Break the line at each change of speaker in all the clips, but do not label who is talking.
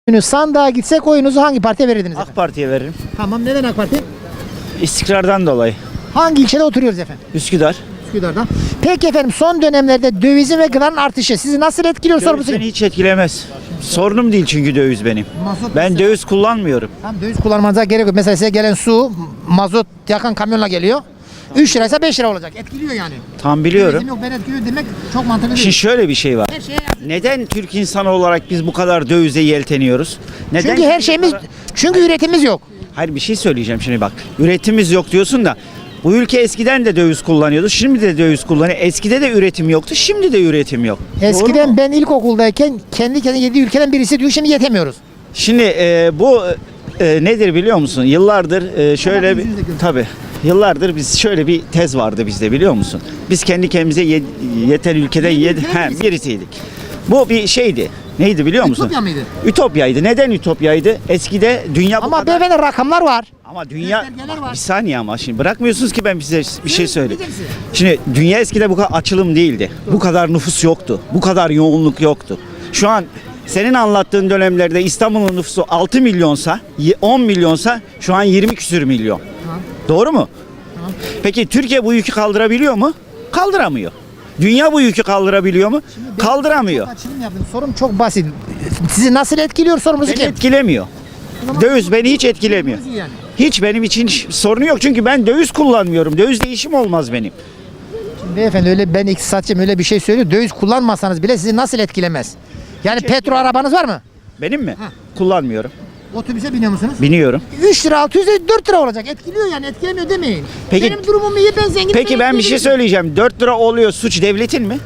Günü sandığa gitsek oyunuzu hangi partiye verirdiniz efendim?
AK Parti'ye veririm.
Tamam, neden AK Parti?
İstikrardan dolayı.
Hangi ilçede oturuyoruz efendim?
Üsküdar.
Üsküdar'da. Peki efendim, son dönemlerde dövizin ve gıdanın artışı sizi nasıl etkiliyor
Döviz
sorumuzu?
beni hiç etkilemez. Sorunum değil çünkü döviz benim.
Mazot
Ben
mesela-
döviz kullanmıyorum.
Tamam, döviz kullanmanıza gerek yok. Mesela size gelen su, mazot yakan kamyonla geliyor. 3 liraysa 5 lira olacak. Etkiliyor yani.
Tam biliyorum.
Dövizim yok, ben etkiliyor demek çok mantıklı değil.
Şimdi şöyle bir şey var.
Her şeye yazık.
Neden Türk insanı olarak biz bu kadar dövize yelteniyoruz? Neden
Çünkü her şeyimiz, çünkü üretimimiz yok.
Hayır, bir şey söyleyeceğim şimdi bak. Üretimimiz yok diyorsun da bu ülke eskiden de döviz kullanıyordu. Şimdi de döviz kullanıyor. Eskide de üretim yoktu. Şimdi de üretim yok. Doğru
Eskiden
mu?
ben ilkokuldayken kendi kendine 7 ülkeden birisi diyor, şimdi yetemiyoruz.
Şimdi bu nedir biliyor musun? Yıllardır şöyle bir tabii. Yıllardır biz şöyle bir tez vardı bizde, biliyor musun? Biz kendi kendimize yeten ülkeden birisiydik. Bu bir şeydi. Neydi biliyor musun?
Ütopya mıydı?
Ütopyaydı. Neden ütopyaydı? Eskide dünya bu
Ama
kadar...
beyefendi rakamlar var.
Ama dünya...
göstergeler
Bak,
var.
bir saniye ama şimdi bırakmıyorsunuz ki ben size bir şey söyleyeyim.
Diyeceksin.
Şimdi dünya eskide bu kadar açılım değildi. Bu kadar nüfus yoktu. Bu kadar yoğunluk yoktu. Şu an senin anlattığın dönemlerde İstanbul'un nüfusu 6 milyonsa, 10 milyonsa şu an 20 küsür milyon.
Tamam.
Doğru mu?
Tamam.
Peki Türkiye bu yükü kaldırabiliyor mu? Kaldıramıyor. Dünya bu yükü kaldırabiliyor mu? Kaldıramıyor.
Açılım yaptım. Sorum çok basit. Sizi nasıl etkiliyor sorumuzu
Beni
kim?
etkilemiyor. Döviz beni hiç etkilemiyor.
Yani.
Hiç benim için sorunu yok çünkü ben döviz kullanmıyorum. Dövizle işim olmaz benim.
Beyefendi, öyle ben iktisatçıyım, öyle bir şey söylüyor. Döviz kullanmasanız bile sizi nasıl etkilemez? Yani petrol arabanız var mı?
Benim mi? Kullanmıyorum.
Otobüse biniyor musunuz?
Biniyorum.
3 lira 600 lira 4 lira olacak. Etkiliyor yani, etkilemiyor demeyin.
Peki-
Benim durumum iyi, ben zenginim.
Peki ben bir şey söyleyeceğim. 4 lira oluyor, suç devletin mi?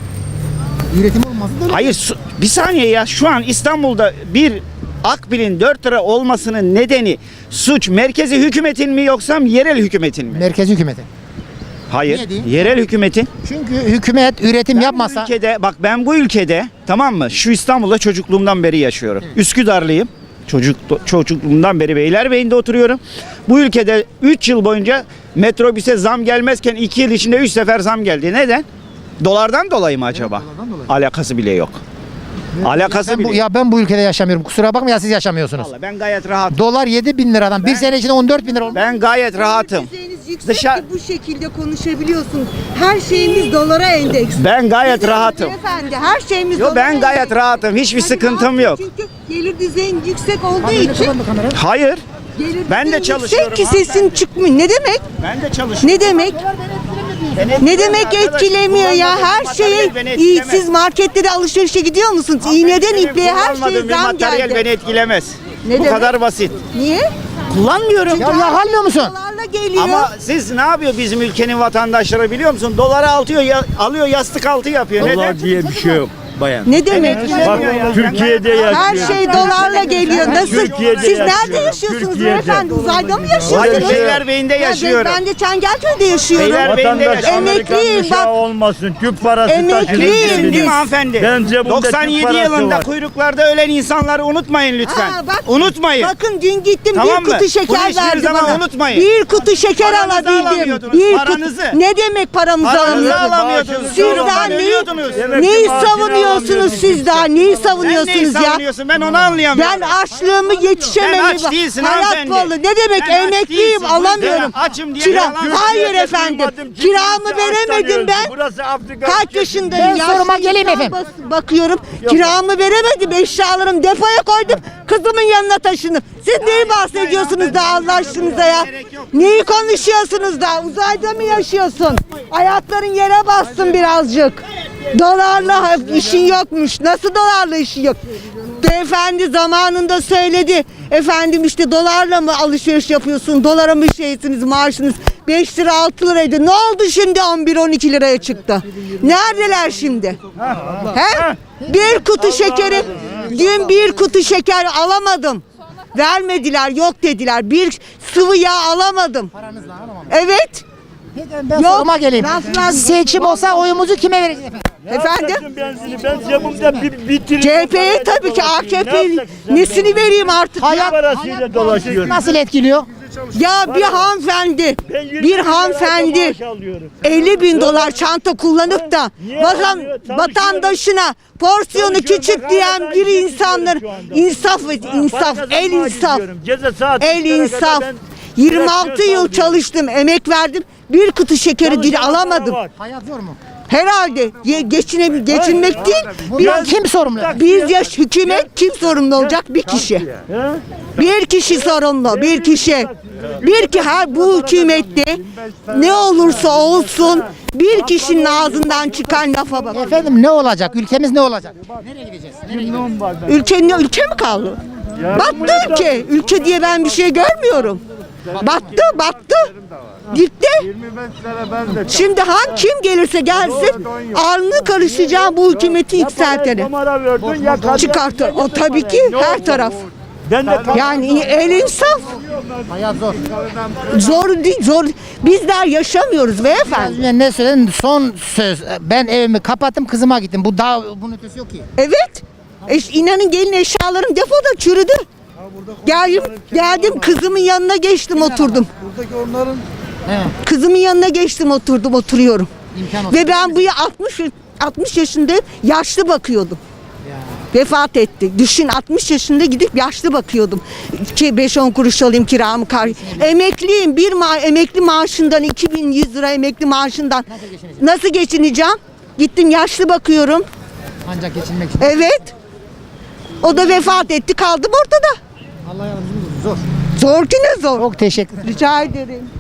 Üretim olmasın da öyle.
Hayır, bir saniye ya. Şu an İstanbul'da bir Akbil'in 4 lira olmasının nedeni suç merkezi hükümetin mi yoksa yerel hükümetin mi?
Merkez hükümeti.
Hayır.
Niye değil?
Yerel hükümetin.
Çünkü hükümet üretim
Bu
yapmasa
ülkede, bak ben bu ülkede, tamam mı? Şu İstanbul'da çocukluğumdan beri yaşıyorum. Üsküdarlıyım. Çocukluğumdan beri Beylerbeyi'nde oturuyorum. Bu ülkede 3 yıl boyunca metrobüse zam gelmezken 2 yıl içinde 3 sefer zam geldi. Neden? Dolardan dolayı mı acaba?
dolardan dolayı.
Alakası bile yok. Alakası bile yok.
ben bu ülkede yaşamıyorum. Kusura bakma ya, siz yaşamıyorsunuz.
Vallahi ben gayet rahatım.
Dolar 7.000 liradan bir sene içinde 14.000 lira oldu.
Ben gayet rahatım.
Düzeyiniz yüksek
Dışarı-
ki bu şekilde konuşabiliyorsun. Her şeyimiz dolara endeks.
Ben gayet rahatım.
Efendi, her şeyimiz
Yo,
dolara
ben gayet
endeks.
rahatım. Hiçbir
Hani
sıkıntım
rahatsın
yok.
Çünkü gelir düzeyin yüksek olduğu
Abi,
için
Hayır.
gelir
Ben de
düzeyin
çalışıyorum
yüksek ki sesin çıkmıyor. Ne demek?
Ben de çalışıyorum.
Ne demek? Ne demek etkilemiyor ya? Her şeye iyi. Siz marketlere alışverişe gidiyor musunuz? İğneden ipliğe her şeye zam
materyal beni
geldi.
etkilemez.
Ne
Bu
demek?
kadar basit.
Niye?
Kullanmıyorum.
Ya yakalmıyor musun?
Dolarla geliyor.
Ama siz ne yapıyor bizim ülkenin vatandaşları biliyor musun? Doları alıyor yastık altı yapıyor. Neden?
Dolar diye bir şey yok bayan.
ne demek?
Bak Türkiye'de yaşıyor.
Her şey dolarla geliyor. Nasıl?
Türkiye'de
Siz nerede
yaşıyorum.
yaşıyorsunuz
Türkiye'de.
beyefendi? Uzayda mı
Hayır,
yaşıyorsunuz?
Beylerbeyi'nde yaşıyorum.
Ben de Çengelköy'de yaşıyorum.
Beylerbeyi'nde
Vatandaş
yaşıyorum.
Amerikan
Emekliyim,
uşağı
bak.
olmasın. Tüp parası
Emekliyim
taşır.
Emeklisin değil
biz.
mi hanımefendi?
Ben cebimde
97
Türk parası
yılında
var.
kuyruklarda ölen insanları unutmayın lütfen.
Aa, bak,
Unutmayın.
Bakın dün gittim
Tamam
bir
mı?
kutu şeker
Bunu hiçbir
verdi
zaman
bana.
unutmayın.
Bir kutu şeker
Paranızı
alabildim.
alamıyordunuz,
Bir
paranızı.
Ne demek paramızı
Paranızı
alamıyorduk?
alamıyordunuz.
Sizden
Yoldan
neyi,
ölüyordunuz.
neyi
maaşını
savunuyorsunuz
alamıyorduk
siz daha? Neyi
Sen neyi
savunuyorsunuz ya?
savunuyorsun? Ben onu anlayamıyorum.
Ben açlığımı yetişememi.
Sen aç değilsin
Hayat
hanımefendi.
pahalı. Ne demek?
Sen aç
Emekliyim,
değilsin.
alamıyorum.
Ben açım diye
Kira.
yalan
Hayır
söylüyorsun.
efendim.
Duymadım,
Kiramı
kimse
veremedim
açtan
ben.
öldü. Burası Afrika
Kaç
ülkesi.
yaşındayım?
Ben soruma
Yaşlı
geleyim
insan
efendim.
Bakıyorum. Kiramı veremedim. Eşyalarımı depoya koydum. Kızımın yanına taşındım. Siz neyi bahsediyorsunuz da Allah aşkınıza ya? Neyi konuşuyorsunuz da? Uzayda mı yaşıyorsun? Ayakların yere bassın birazcık. Dolarla işin yokmuş. Nasıl dolarla işin yok? Beyefendi zamanında söyledi. Efendim işte dolarla mı alışveriş yapıyorsun? Dolara mı şeysiniz maaşınız? 5 lira 6 liraydı. Ne oldu şimdi 11-12 liraya çıktı? Neredeler şimdi? He? Bir kutu şekeri, dün bir kutu şeker alamadım. Vermediler, yok dediler. Bir sıvı yağ alamadım. Evet.
Ben
Yok,
soruma geleyim.
laflar-
Seçim olsa oyumuzu kime vereceğiz efendim?
Efendim?
Benzini ben cebimde bir
CHP'ye tabii ki AKP nesini vereyim artık ya?
parasıyla dolaşıyorum.
Nasıl etkiliyor?
Ya bir hanımefendi,
Ben 20
bir
bin lira
hanımefendi
maaş alıyorum.
50 bin dolar çanta kullanıp da
Niye almıyor? Çalışıyorum.
vatandaşına porsiyonu
Çalışıyorum.
küçük
Bak
diyen
hala
bir
ben
insanlar
şu anda.
insaf et, insaf,
Para
el
kazanmaya
insaf,
gidiyorum. Gece saat
el
3'lere kadar
insaf.
ben
26
direksiyon
yıl
sallıyorum.
çalıştım, emek verdim. Bir kutu şekeri dil
Çalışan
alamadım.
para var.
Hayat zor mu?
Herhalde geçinmek değil.
Kim sorumlu?
Biz yaş hükümet kim sorumlu olacak? Bir kişi.
Ha?
Bir kişi sorumlu, bir kişi. Bir ki her bu hükümette ne olursa olsun bir kişinin ağzından çıkan lafa bak.
Efendim ne olacak? Ülkemiz ne olacak? Nereye gideceğiz? Nereye gideceğiz?
Ülke mi kaldı? Battı ülke. Ülke diye ben bir şey görmüyorum. Battı. Gitti. Şimdi kim gelirse gelsin alnı karışacağı bu hükümeti yükseltene.
Numara verdin ya kadın.
Çıkartır. O tabii ki her taraf.
Ben de
Yani el insaf.
Hayat zor.
Zor değil, zor. Bizler yaşamıyoruz
Az
beyefendi.
önce ne söyledin? Son söz. Ben evimi kapattım, kızıma gittim. Bu daha bunun ötesi yok ki.
Evet. İnanın gelin eşyalarım depoda çürüdü. Geldim kızımın yanına geçtim oturdum.
He.
Kızımın yanına geçtim oturdum oturuyorum.
İmkan olsun.
Ve ben bu 60 yaşında yaşlı bakıyordum. Vefat etti. Düşün 60 yaşında gidip yaşlı bakıyordum. 5-10 kuruş alayım kiramı emekliyim. Emekli maaşından 2100 lira emekli maaşından nasıl geçineceğim? Gittim yaşlı bakıyorum.
Ancak geçinmek için.
Evet. O da vefat etti kaldım ortada.
Allah yardımcımız olsun. Zor.
Zor ki ne zor.
Çok teşekkür ederim.
Rica ederim.